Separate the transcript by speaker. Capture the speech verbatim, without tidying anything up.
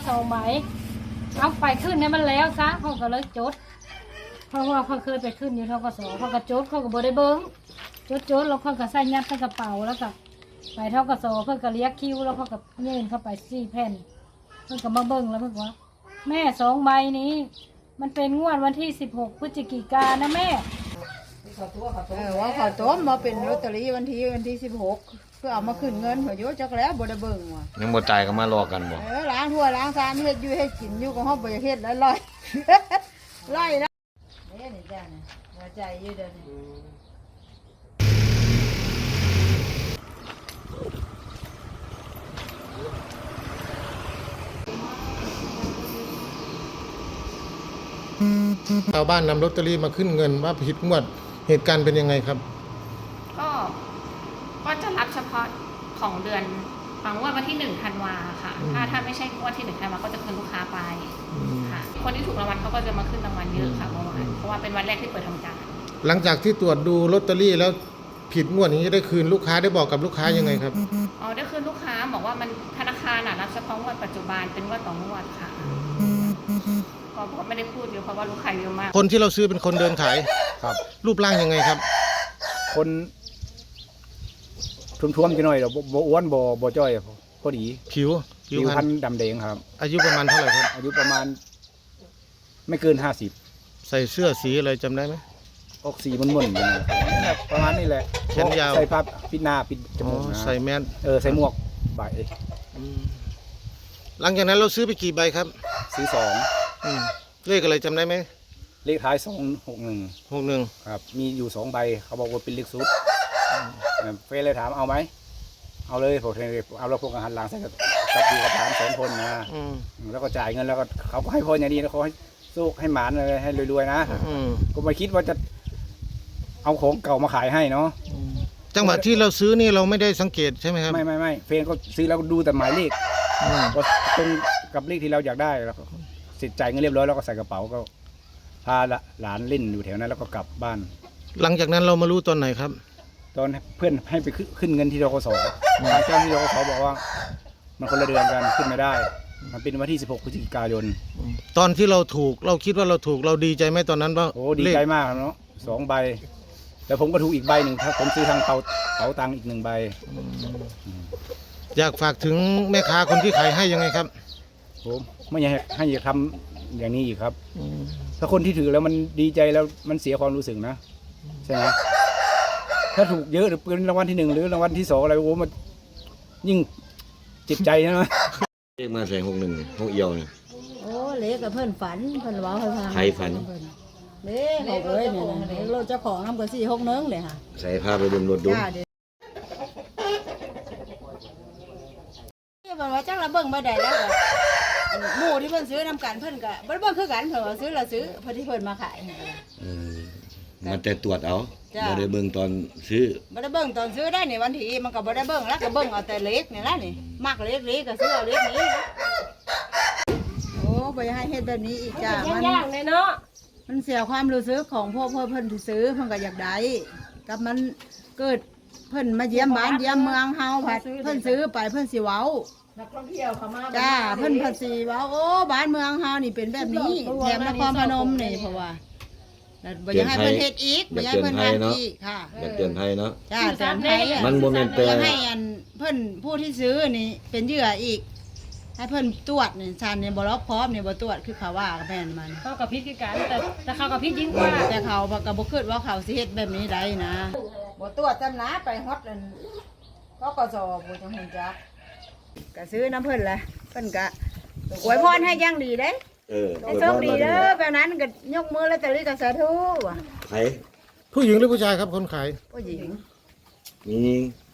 Speaker 1: สองใบเอาไปขึ้นเนี่ยมันแล้วซะเขาก็เลยจดเพราะว่าเขาเคยไปขึ้นอยู่ทกสเขาก็จดเขาก็บ่ได้เบิ้งจดจดแล้วเขาก็ใส่ยัดใส่กระเป๋าแล้วก็ไปทกสเพิ่นก็เรียกคิวแล้วเขาก็ยื่นเข้าไปสี่แผ่นเพิ่นก็มาเบิ้งแล้วเพิ่นว่าแม่สองใบนี้มันเป็นงวดวันที่สิบหกพฤศจิกายนนะแม่
Speaker 2: เออว่าเขาต้มมาเป็นลอตเตอรี่วันที่วันที่สิบหกเพื่อเอามาขึ้นเงินหัวโยจักแล้วบ่ได้เบิ่งว่ะ
Speaker 3: ยังบ่จ่ายก็มารอกันบ่
Speaker 2: เออล้างทั่วล้างซานเฮ็ดอยู่เฮ็ดกินอยู่ก็เฮาบ่เฮ็ดแล้วลอยไล่แล้วนี่นี่จ้านี่หัวใจอยู่เด้อนี่
Speaker 4: ชาวบ้านนำลอตเตอรี่มาขึ้นเงินว่าผิดงวดเหตุการณ์เป็นยังไงครับ
Speaker 5: ก็ก็จะรับเฉพาะของเดือนบางงวดวันที่หนึ่งธันวาค่ะถ้าถ้าไม่ใช่งวดที่หนึ่งธันวาก็จะคืนลูกค้าไปค่ะคนที่ถูกรางวัลเขาก็จะมาขึ้นรางวัลเยอะค่ะเมื่อวานเพราะว่าเป็นวันแรกที่เปิดทำการ
Speaker 4: หลังจากที่ตรวจดูลอตเตอรี่แล้วผิดงวดนี้ได้คืนลูกค้าได้บอกกับลูกค้ายังไงครับ
Speaker 5: อ๋อได้คืนลูกค้าบอกว่ามันธนาคารน่ะรับเฉพาะงวดปัจจุบันเป็นงวดต่องวดค่ะก็ไม่ได้พูดเยอะเพราะว่าลูกค้าเยอะมาก
Speaker 4: คนที่เราซื้อเป็นคนเดินขาย
Speaker 6: ครับ
Speaker 4: รูปร่างยังไงครับ
Speaker 6: คนทุ่มๆจะหน่อยเราบ่อ้วนบ่บ่จ้อยพอดี
Speaker 4: ผิว
Speaker 6: ผิวพรรณดำแดงครับ
Speaker 4: อายุประมาณเท่าไหร่ครับ
Speaker 6: อายุประมาณไม่เกินห้าสิบ
Speaker 4: ใส่เสื้อสีอะไรจำได้ไหม
Speaker 6: ออกสีมันม่นๆประมาณนี้แหละ
Speaker 4: แขนยาว
Speaker 6: ใส่ผ้าปิดหน้าปิดจมูก
Speaker 4: ใส่แมส
Speaker 6: เออใส่หมวกใบ
Speaker 4: หลังจากนั้นเราซื้อไปกี่ใบครับ
Speaker 6: ซื้อสอง
Speaker 4: เลขอะไรจำได้ไหม
Speaker 6: เลขท้ายสองหกหนึ่ง
Speaker 4: หกหนึ่ง
Speaker 6: ครับมีอยู่สองใบเขาบอกว่าเป็นเลขซุดเฟซเลยถามเอาไหมเอาเลยผมเอาแล้วพวกอาหารล้างใส่กับกับดีกับถามสองคนนะแล้วก็จ่ายเงินแล้วก็เขาก็ให้พรอย่างดีแล้วเขาให้สู้ให้หมานเลยให้รวยๆนะก็ไม่คิดว่าจะเอาของเก่ามาขายให้เนาะ
Speaker 4: จังหวะที่เราซื้อนี่เราไม่ได้สังเกตใช่ไหมครับ
Speaker 6: ไม่ไม่ไม่เฟซก็ซื้อแล้วดูแต่หมายเลขก็ตรงกับเลขที่เราอยากได้แล้วเสร็จจ่ายเงินเรียบร้อยแล้วก็ใส่กระเป๋าก็พาหลานเล่นอยู่แถวนั้นแล้วก็กลับบ้าน
Speaker 4: หลังจากนั้นเรามารู้ตอนไหนครับ
Speaker 6: ตอนเพื่อนให้ไปขึ้นเงินที่ธกสทางเจ้าที่ธกสบอกว่ามันคนละเดือนกันขึ้นไม่ได้มันเป็นวันที่สิบหกพฤศจิกายน
Speaker 4: ตอนที่เราถูกเราคิดว่าเราถูกเราดีใจไหมตอนนั้นว่า
Speaker 6: โอ้ดีใจมากเนาะสองใบแล้วผมก็ถูกอีกใบหนึ่งถ้าผมซื้อทางเป๋าเป๋าตังค์อีกหนึ่งใบ
Speaker 4: อยากฝากถึงแม่ค้าคนที่ขายให้ยังไงครับ
Speaker 6: ผมไม่อยากให้อย่าทำอย่างนี้อีกครับถ้าคนที่ถือแล้วมันดีใจแล้วมันเสียความรู้สึกนะใช่ไหมถ้าถูกเยอะหรือเป็นรางวัลที่หนึ่งหรือรางวัลที่สองอะไรโอ้มันยิ่งเจ็บใจนะ
Speaker 3: เลขมาใส่หกหนึ่งหกเอียวเนี่ย
Speaker 2: โอ้เล็กกับเพื่อนฝันเพื่อนว่าให้ฟัง
Speaker 3: ใครฝัน
Speaker 2: เล็กเขาเอ้ยเนี่ยเราจะของน้ำกระสี่หกเนื้อเลยค่ะ
Speaker 3: ใส่ผ้าไปบนรถดู
Speaker 2: นี่บอกว่าจังระเบิงมาได้แล้วหมู่ที่เพื่อนซื้อน้ำกันเพื่อนก็บ่ได้เบิ่งคือกันเพื่อนว่าซื้อเราซื้อเพื่อนที่เพื่อนมาขาย
Speaker 3: มันแต่ตรวจเอาบ่ได้เบิ่งตอนซื้อ
Speaker 2: บ่ได้เบิ่งตอนซื้อได้ในวันที่มันก็บ่ได้เบิ่งแล้วก็เบิ่งเอาแต่เล็กนี่ละนี่มักเล็กเล็กก็ซื้อเอาเล็กนี้โอ้บ่ให้เฮ็ดแบบนี้อีกจ้า
Speaker 1: มันยากเลยเนาะ
Speaker 2: มันเสียความรู้สึกของพ่อพ่อเพิ่นที่ซื้อเพิ่นก็อยากได้กับมันเกิดเพิ่นมาเยี่ยมบ้านเยี่ยมเมืองเฮาผัดเพิ่นซื้อไปเพิ่นสิเว้า
Speaker 1: นักท่องเที่ยวเข้ามา
Speaker 2: จ้าเพิ่นผัดสิเว้าโอ้บ้านเมืองเฮานี่เป็นแบบนี้แถมนครพนมนี่เพราะว่าบ่อยากให้เพิ่นเฮ็ดอีกบ่อยากให้เพิ่นเฮ็ดอีกค่ะ
Speaker 3: อยากเตือนภัยเนาะ
Speaker 2: จ้าเตือนภัย
Speaker 3: มันบ่แม่นแต่
Speaker 2: ให้อันเพิ่นผู้ที่ซื้อนี่เป็นเหยื่ออีกให้เพิ่นตรวจนี่ชันนี่บ่รอบพร้อมนี่บ่ตรวจคือเขาว่ากับแม่นมัน
Speaker 1: เขากับพิษคือกันแต่แต่เขากับพิษยิ่งกว่า
Speaker 2: แต่เขาก็บ่คิดว่าเขาสิเฮ็ดแบบนี้ได้นะบ่ตรวจจำนะไปฮอดอันกกสบ่จังฮู้จักก็ซื้อน้ำเพิ่นแหละเพิ่นก็อวยพรให้อย่างดีเด้
Speaker 3: เออ
Speaker 2: ให้โชคดีเด้อแบบนั้นก็ยกมือแล้วแต่ลิก็สาธุว่ะ
Speaker 3: ใคร
Speaker 4: ผู้หญิงหรือผู้ชายครับคนขาย
Speaker 2: ผู้หญิง
Speaker 3: มี